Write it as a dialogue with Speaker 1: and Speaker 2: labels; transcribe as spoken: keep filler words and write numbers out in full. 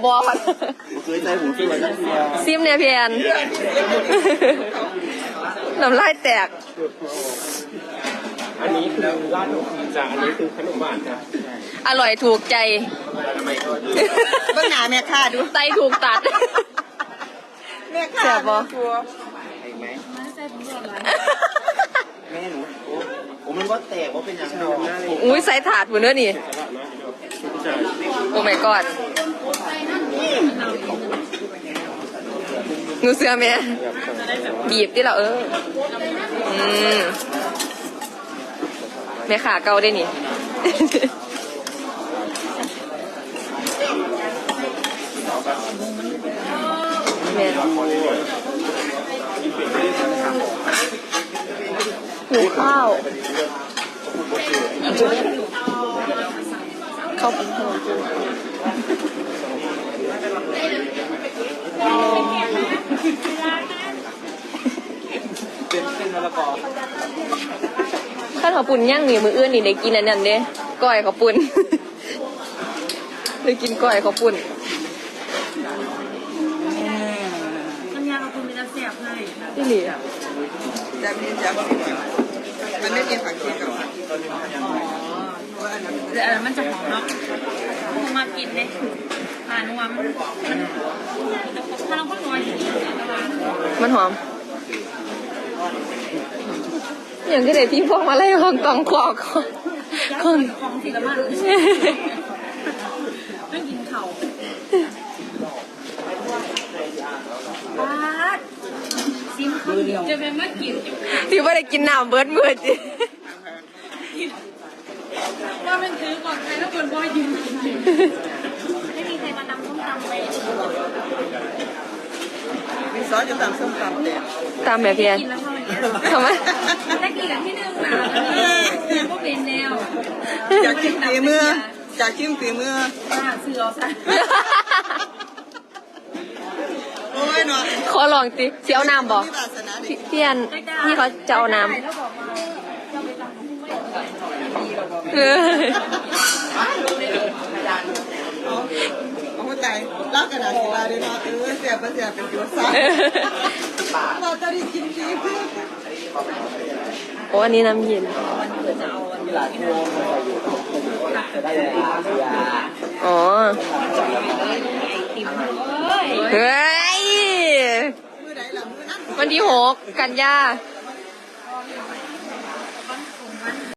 Speaker 1: บอล
Speaker 2: เคยใจผมสวยจังเพีย
Speaker 1: ซิมเนี่ยเพียนน้ำลายแตก
Speaker 3: อันนี้คือราดนมจีนจ้ะอันนี้คือขนมหวานจ้ะ
Speaker 1: อร่อยถูกใจ
Speaker 2: เบื้องหน้าแม่ค้าดู
Speaker 1: ไตถูกตัด
Speaker 2: แม่ค้า
Speaker 1: แซ่บบ่
Speaker 2: ไหมแม่หนูโอ้มันว่าแตกว่าเป็นอย่างไร
Speaker 1: อุ้ยใส่ถาดหมดเนื้อนี่โอ้ my god งูเสือแม่บีบที่เราเอออืมแม่ขาเกาได้นี่แม่หูข้าวเข้าปิ้งเพิ่ม
Speaker 2: เป็นเส้นมะละกอ
Speaker 1: ข้าวขาวปุ่นย่างหนีมือเอื้อนนี่ได้กินอันนั้นเด้ก้อยขาวปุ่นได้กินก้อยขาวปุ่น
Speaker 4: น้ำยาขาวปุ่นเป็นน้ำแซ่บให้
Speaker 1: ที่หลี
Speaker 2: จะมีจะมันไม่กินผักชีกับผัก
Speaker 4: แต่อันนั้นมันจะหอมเนาะผมมากินเลยหานัวมันถ้าเราก็น้อย
Speaker 1: มันหอมอย่างที่ไหนที่พวกมาไล่ของตองคอของ
Speaker 4: ของของสีละมันไม่กินเข่าปาดซิมข้าวเหนียวจะเป็นเมื่อกิน
Speaker 1: ที่ว่าได้กินน้ำเบิร์ดมืดจิ
Speaker 4: ว่าเป็นซื้อก่อนใครแล้วคนบ่อยยืนไม่มีใครมานำส้มตำไป
Speaker 2: มีซอสจะตำส้มตำเด็ด
Speaker 1: ตามแบบเพียนทำไม
Speaker 4: ถ้ากินกับที่หนึ่งนะแล้วก็เป็นแนว
Speaker 2: อยากชิมฝีมืออยากชิมฝีมือ
Speaker 4: ซื้อเอาซะ
Speaker 2: โอ้ยหนอ
Speaker 1: ขอลองสิเสียวน้ำบอกเพียนนี่เขาจะเอาน้ำเออ
Speaker 2: เอาหัวใจลากกระดาษสีลาด้วยเนาะเออเสียบเสียบเป็นจุดซ่าเราจะได้กินดีเพื่อ
Speaker 1: โอ้อันนี้น้ำเย็นอ๋อเฮ้ยวันที่หกกันยา